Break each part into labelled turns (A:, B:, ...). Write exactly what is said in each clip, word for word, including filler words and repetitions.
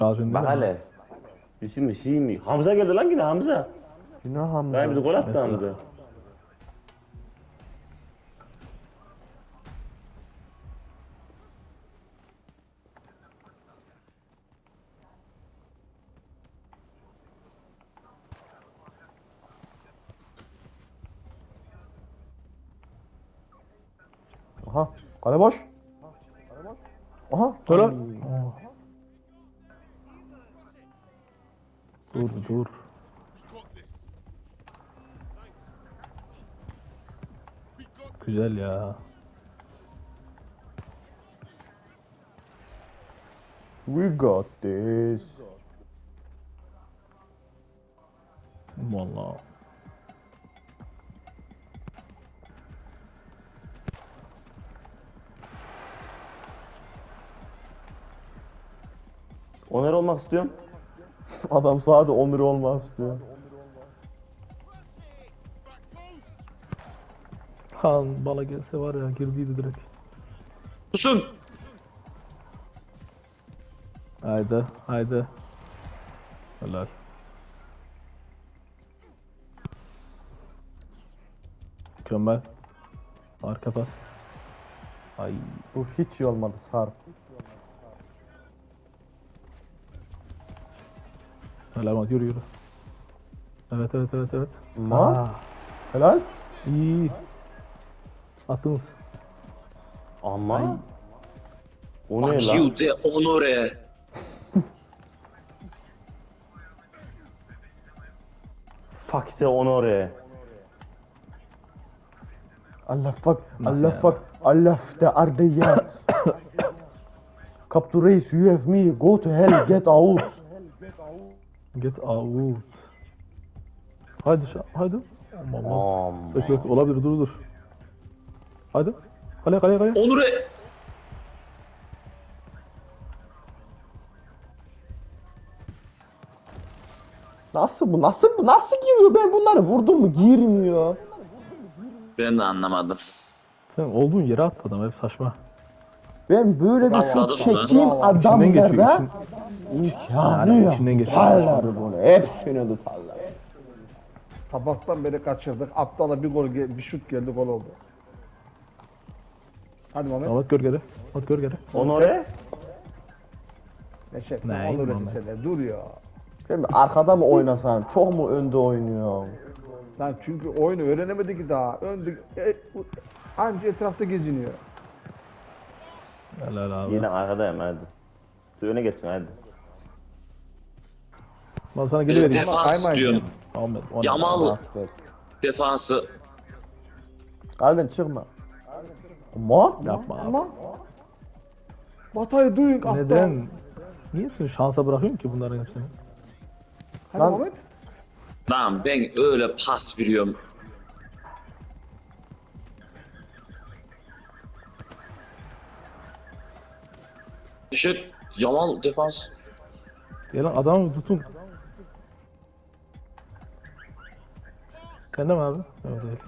A: Lazım
B: Bak
A: değil mi?
B: hele. Bizim mi şey mi? Hamza geldi lan yine Hamza.
C: Yine Hamza.
B: Daha bizi gol attı
A: Mesela.
B: Hamza.
C: Aha. Kale boş. Aha.
A: Dur
C: Ay.
A: lan. Oh. Dur dur. Güzel ya.
C: We got this.
A: Vallahi.
B: Oner olmak istiyorum.
C: Adam sadece on lira olmak istiyor.
A: Han bala gelse var ya girdiydi direkt.
D: Susun.
A: Haydi haydi. Helal. Mükemmel. Arka pas. Ay.
C: Bu hiç iyi olmadı Sarp.
A: Helal bak yürü yürü. Evet evet evet evet.
C: Ma?
A: Aa,
C: Helal.
A: iyi. Attınız.
B: Ama. O ne lan?
D: Acıyı de onore.
B: Fakte Onore.
C: Allah fuck.
A: Nasıl
C: Allah
A: yani?
C: fuck. Allah de ardiyat. Capture race, you have me. Go to hell, get out.
A: Get out. Haydi şu haydi. Aman Allah.
B: Aman.
A: Bekle bekle olabilir dur dur. Haydi. Kaleye kaleye kaleye.
D: Onore.
C: Nasıl bu? Nasıl bu? Nasıl giriyor? Ben bunları vurdum mu? Girmiyor.
D: Ben de anlamadım.
A: Sen olduğun yere at adam hep saçma.
C: Ben böyle bir
D: Atladım
C: şut
D: lan.
C: çekeyim
A: İçinden geçiyor
C: adamlara
A: için.
C: imkanı
A: Yani
C: yok.
A: içinden geçiyor.
C: Tutarlar bunu. Hepsini tutarlar.
E: Sabahtan beri kaçırdık. Aptala bir gol, gel- bir şut geldi, gol oldu. Hadi Mehmet.
A: Ahmet gör geri. Ahmet gör geri.
B: Onore?
E: Neşet.
A: Ne,
E: Olur
A: Mehmet?
E: öyle dur ya.
C: Şimdi arkada mı oynasan? Çok mu önde oynuyor?
E: Lan çünkü oyunu öğrenemedi ki daha. Önde e, bu- anca etrafta geziniyor.
A: Helal abi.
B: Yine arkadayım hadi. Öne geçin hadi.
A: Ben sana geri vereyim.
D: Defans
E: kaymayın
D: diyorum.
A: Ahmet. o ne?
D: Yamal
C: Affet.
D: defansı.
C: Kaleden çıkma. Ama
A: Yapma abi.
E: Ama Batay'ı duyun aptal.
A: Neden? Niye sen şansa bırakıyorsun ki bunların hepsini?
E: Hadi
C: Lan-
E: Mehmet.
D: Lan ben öyle pas veriyorum. Neşet. Yamal defans.
A: Gelin adamı tutun. Sen de mi abi? Yok değil.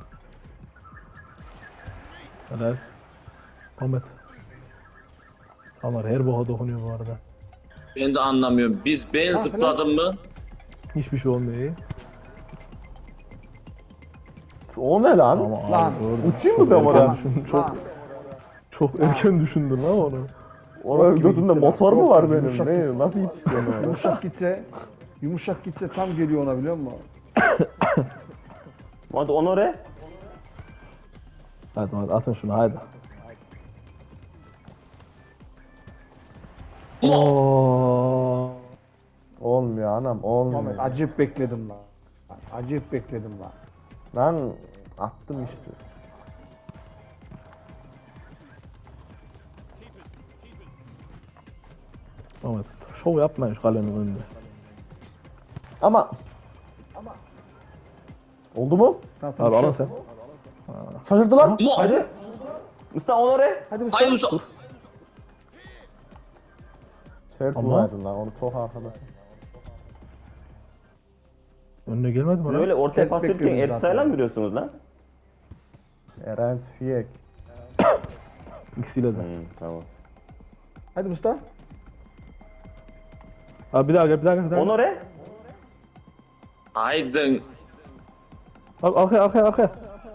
A: Helal. Ahmet. Tamam her boğa dokunuyor bu arada.
D: Ben de anlamıyorum. Biz ben zıpladım mı?
A: Hiçbir şey olmuyor iyi.
C: o ne lan?
A: Ama
E: Lan,
A: abi doğru.
C: uçayım mı
A: Çok
C: ben
A: erken
C: oraya?
A: düşündün, Çok,
E: Lan.
A: çok erken düşündün lan onu.
C: Oraya
E: gibi
C: götümde
E: gitti
C: motor
E: lan.
C: mu
E: Çok
C: var
E: yumuşak
C: benim?
E: gitti.
C: Ne? Nasıl yetişiyorum oraya?
E: Yumuşak gitse, yumuşak gitse tam geliyor ona, biliyor musun?
B: Hadi Onore.
A: Hadi hadi atın şunu hadi. Oo.
C: Olmuyor anam, olmuyor.
E: Mehmet acayip bekledim lan. Acayip bekledim lan.
C: Ben attım işte.
A: Ahmet şov yapmayın şu kalenin önünde.
C: Ama oldu mu?
E: Tamam, tamam,
A: Abi
E: şey-
A: alın sen.
C: Şaşırdılar.
D: Mo.
B: Hadi. Mustafa Onore.
E: Hadi Mustafa.
D: Haydi Mustafa.
C: Sert
A: Ama-
C: vuraydın lan, onu çok arkadaşım.
A: Önüne gelmedi mi
B: Siz
A: lan?
B: öyle ortaya
E: Tek
B: pas verirken
E: bekliyordum
B: Ersay'la
E: zaten.
B: mı giriyorsunuz lan?
C: Eren Fiyek.
A: İkisiyle de.
B: Hı, tamam.
E: Hadi Mustafa.
A: Abi bir daha gel, bir daha gel, bir daha gel.
B: Onore.
D: Aydın.
A: Abi arkaya, arkaya, arkaya.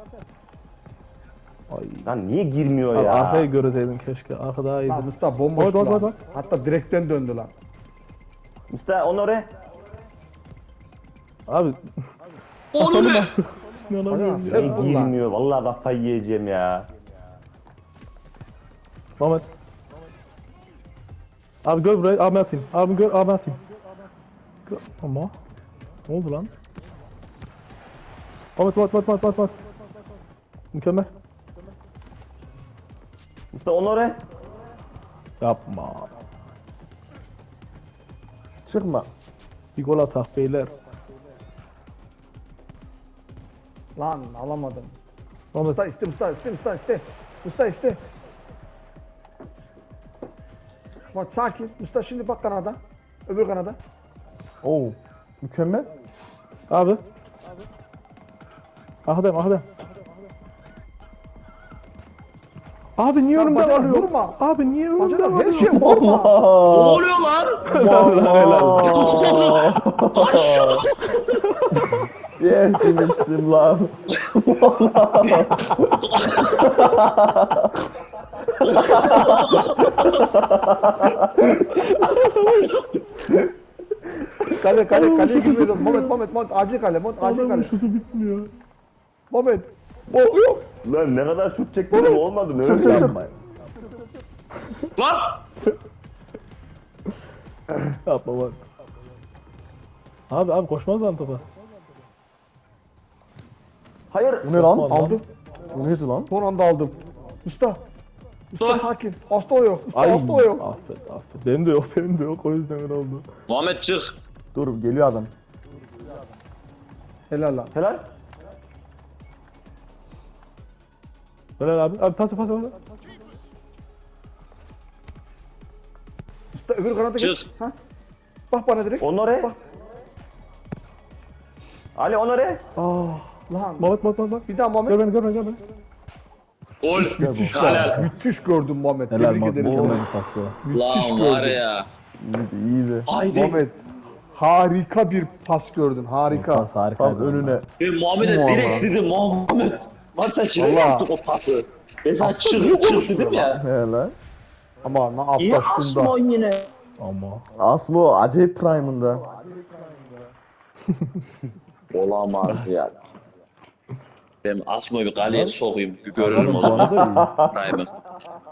A: Ay.
B: Lan niye girmiyor
A: Abi
B: ya?
A: arkayı göreseydin keşke. Arka daha iyiydi.
E: Lan Mustafa bomboş
A: Bak, bak,
E: lan.
A: bak, bak.
E: Hatta direkten döndü lan.
B: Mustafa Onore.
A: Abi.
D: Onu ne?
A: İnanamıyorum
E: Sen-
A: ya.
B: Niye girmiyor? Vallahi kafayı yiyeceğim ya.
A: Mehmet. Abi gör burayı, abi atayım. Abi gör, abi atayım. Gör. Ama. Ne oldu lan? Mehmet, Mehmet, Mehmet, Mehmet, Mehmet. Mükemmel.
B: Mustafa Onore.
A: Yapma.
C: Çıkma.
A: Bir gol atak beyler.
E: Lan alamadım.
A: Mehmet.
E: Mustafa iste Mustafa iste Mustafa iste. Mustafa iste. Bak sakin. Mustafa şimdi bak kanada. Öbür kanada.
C: Oo. Mükemmel.
A: Abi. Ahadem, ahadem. Abi niye
E: Ya
A: önümde
E: bacak
A: varıyor?
E: vurma.
A: Abi niye önümde
E: Bacana her
A: varıyor?
E: şey vurma.
D: Ne oluyor lan? Kaç şunu.
C: Yehdimizsin lan.
E: Kale kale kaleye girmiyor. Moment Moment Moment acil kale. Moment acil
A: Adamın
E: kale.
A: şutu bitmiyor.
E: Moment. Oh yok.
B: Lan ne kadar şut çektim olmadı. Ne
C: Çık
B: öyle
C: çık çık.
B: yapmayın.
D: Lan.
A: Yapma bak. Abi abi koşmaz lan topa.
B: Hayır.
C: Bu ne lan?
A: Yapma
E: Aldım.
C: Bu neydi lan?
E: Son anda aldım. Mustafa. Mustafa
D: Dur.
E: sakin. Hasta o yok. Mustafa
A: Ay.
E: hasta o yok.
A: Affet affet. Benim de yok benim de yok o yüzden öyle oldu.
D: Muhammed çık.
C: Dur geliyor adam.
E: Helal lan.
B: Helal.
A: Helal abi. Abi pas pas pas.
E: Mustafa öbür kanada geç.
D: Çık.
E: Ha? Bak bana direkt.
B: Onore.
E: Bak.
B: Ali Onore.
A: Ah.
E: Lan.
A: Muhammed Muhammed Muhammed.
E: Bir daha
A: Gör
E: Muhammed.
A: beni gör beni gör beni.
D: Gol. Helal.
E: Müthiş gördün Muhammed.
A: Helal
E: Tebrik ederim.
A: Muhammed.
E: Muhammed.
A: Mükemmel pastı.
E: Müthiş
D: Lan var
E: gördün.
D: ya.
C: İyiydi iyiydi.
D: Haydi.
E: Muhammed. Harika bir pas gördün. Harika.
A: Pas harika.
C: Tam önüne.
D: Ben Muhammed'e
C: Muhammed.
D: direkt dedim Muhammed. Lan sen şuraya
E: Vallahi.
D: yaptın o pası. Ben sana çık çık dedim ya.
C: He lan.
E: Ama ne
D: İyi
E: yaplaştın da.
D: Asmon yine.
A: Ama.
C: Asmo acayip prime'ında.
D: Olamaz ya. Ben Asmo'yu bir kaleye sokayım. Bir görelim o
A: Bu
D: zaman.
A: arada iyi.
D: Prime'ı.